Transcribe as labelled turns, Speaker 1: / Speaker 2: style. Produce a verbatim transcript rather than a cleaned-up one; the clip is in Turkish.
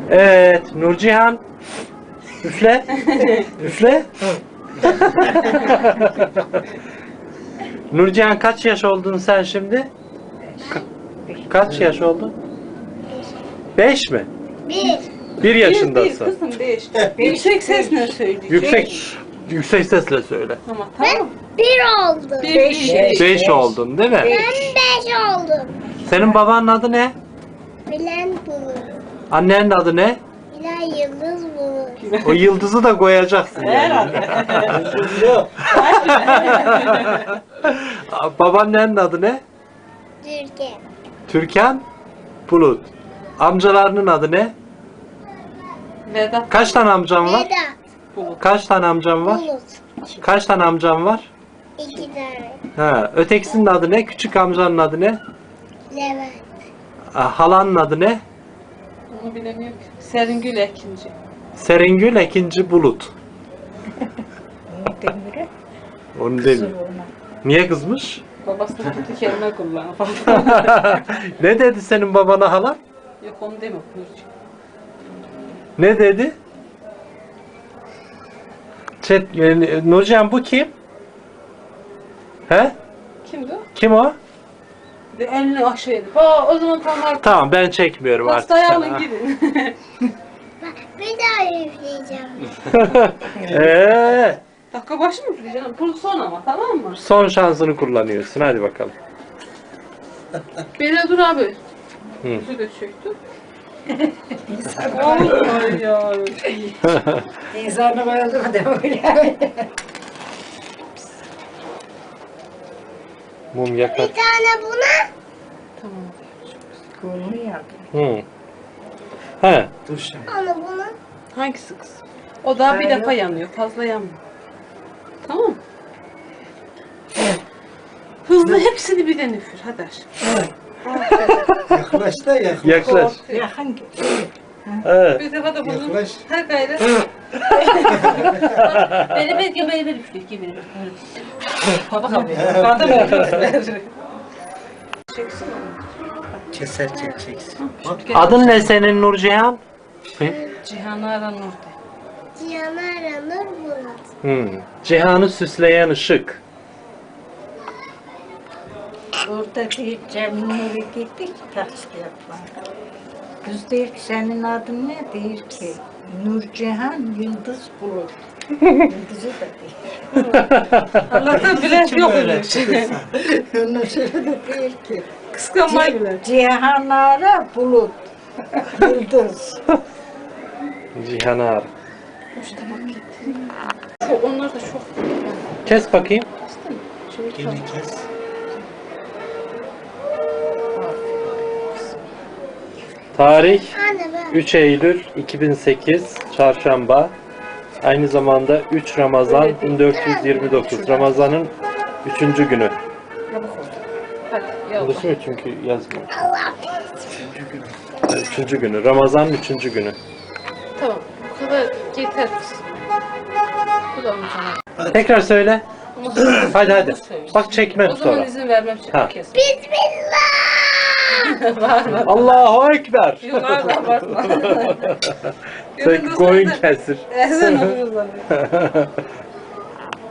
Speaker 1: Evet, Nurcihan. Üfle. Üfle. Nurcihan kaç yaş oldun sen şimdi? Ka- kaç yaş oldun? Beş mi?
Speaker 2: Bir.
Speaker 1: Bir
Speaker 3: Bir
Speaker 1: yaşındasın.
Speaker 3: kızım beş. Yüksek sesle söyleyecek.
Speaker 1: Yüksek yüksek sesle söyle.
Speaker 3: Tamam
Speaker 2: Ben
Speaker 3: tamam.
Speaker 2: bir oldum.
Speaker 3: Bir,
Speaker 4: Beş.
Speaker 3: bir.
Speaker 1: Beş oldun değil mi?
Speaker 2: Ben beş oldum.
Speaker 1: Senin babanın adı ne?
Speaker 2: Bilen bulur.
Speaker 1: Annenin adı ne?
Speaker 2: Bilen yıldız bulur.
Speaker 1: O yıldızı da koyacaksın yani.
Speaker 3: Herhalde.
Speaker 1: Babaannenin adı ne?
Speaker 2: Türkiye.
Speaker 1: Türkan Bulut. Amcalarının adı ne?
Speaker 3: Vedat.
Speaker 1: Kaç tane amcam var?
Speaker 2: Vedat.
Speaker 3: Bulut.
Speaker 1: Kaç tane amcam var?
Speaker 2: Bulut.
Speaker 1: Kaç tane amcam var?
Speaker 2: İki tane.
Speaker 1: Ha, ötekisinin adı ne? Küçük amcanın adı ne?
Speaker 2: Levent.
Speaker 1: Ha, halanın adı ne?
Speaker 3: Onu bilemiyorum ki. Seringül Ekinci.
Speaker 1: Seringül ikinci Bulut.
Speaker 4: Demire.
Speaker 1: Onu demiyor. Niye kızmış?
Speaker 3: Babası da kötü kelime kullanıyor.
Speaker 1: Ne dedi senin babana hala?
Speaker 3: Yok onu demiyor Nurcu.
Speaker 1: Ne dedi? Çet, e, Nurcan bu kim? He?
Speaker 3: Kimdi o?
Speaker 1: Kim o?
Speaker 3: Bir de elini aşağıydı. Aa o zaman tamam.
Speaker 1: Tamam ben çekmiyorum artık.
Speaker 3: Hastaya
Speaker 1: sana.
Speaker 3: alın gidin.
Speaker 2: Bak bir daha üfleyeceğim.
Speaker 1: Eee,
Speaker 3: Dakika başı mı canım? Pul son ama tamam mı?
Speaker 1: son şansını kullanıyorsun. Hadi bakalım.
Speaker 3: Beni dur abi.
Speaker 1: Hı.
Speaker 3: Yüzü de çöktü. Ay ya.
Speaker 4: İnsanı bayıldı da öyle.
Speaker 1: Mum
Speaker 2: Bir
Speaker 1: yakar.
Speaker 2: tane buna.
Speaker 3: Tamam.
Speaker 4: Kolunu yaktı.
Speaker 1: Hı. He.
Speaker 2: Onu buna.
Speaker 3: Hangisi kız? O daha bir
Speaker 4: Ben
Speaker 3: defa
Speaker 4: yok.
Speaker 3: yanıyor. Fazla yanmıyor. Tamam mı? Hızlı hepsini birden üfür. Hadi aşkım.
Speaker 5: Yaklaş da yaklaş.
Speaker 1: Yaklaş.
Speaker 4: Yakın.
Speaker 1: Evet.
Speaker 3: Bir defa da bunu.
Speaker 5: Yaklaş.
Speaker 3: Her gayret. Beni bekle beni beni üfür. Gibi beni. Baba kapıyor. Bana da üfür. Çeksin onu.
Speaker 5: Keser çekeceksin.
Speaker 1: Adın ne senin Nurcihan? Hı.
Speaker 3: Cihan Aran orada.
Speaker 2: Cihan aranır bulut.
Speaker 1: Hı. Cihanı süsleyen ışık.
Speaker 4: Orada bir Cemile'ye gittik taksi yapmaya. Kız diyor ki senin adın ne? Diyor ki Nurcihan Yıldız Bulut. Yıldızı da değil.
Speaker 3: Allah'tan bilen yok öyle şey.
Speaker 4: Ondan sonra da diyor ki
Speaker 3: Kıskanmayı bilen.
Speaker 4: Cihanara Bulut. Yıldız.
Speaker 1: Cihan'ı ar.
Speaker 3: Çok, onlar da çok.
Speaker 1: Kes bakayım.
Speaker 3: Şimdi
Speaker 5: Geri kes.
Speaker 1: Tarih
Speaker 2: Anne ben.
Speaker 1: üç Eylül iki bin sekiz Çarşamba. Aynı zamanda üç Ramazan
Speaker 3: Öyle değil.
Speaker 1: bin dört yüz yirmi dokuz. Ramazan'ın üçüncü günü.
Speaker 3: hadi yallah.
Speaker 1: Burası mı çünkü yazmıyor.
Speaker 2: Allah.
Speaker 1: Üçüncü günü. Ramazan'ın üçüncü günü.
Speaker 3: Tamam. Bu kadar yeter kız. Bu da onun sana.
Speaker 1: Tekrar söyle.
Speaker 3: Ama sonra-
Speaker 1: Hadi hadi.
Speaker 3: Söyle.
Speaker 1: Bak çekmem
Speaker 3: O zaman
Speaker 1: sonra.
Speaker 3: izin vermem
Speaker 1: Ha.
Speaker 3: çabuk kes.
Speaker 2: Bismillah.
Speaker 3: Var var.
Speaker 1: Allahu Ekber.
Speaker 3: Yok abi abartma.
Speaker 1: Sen koyun kesir.
Speaker 3: Ezan okuyoruz zaten.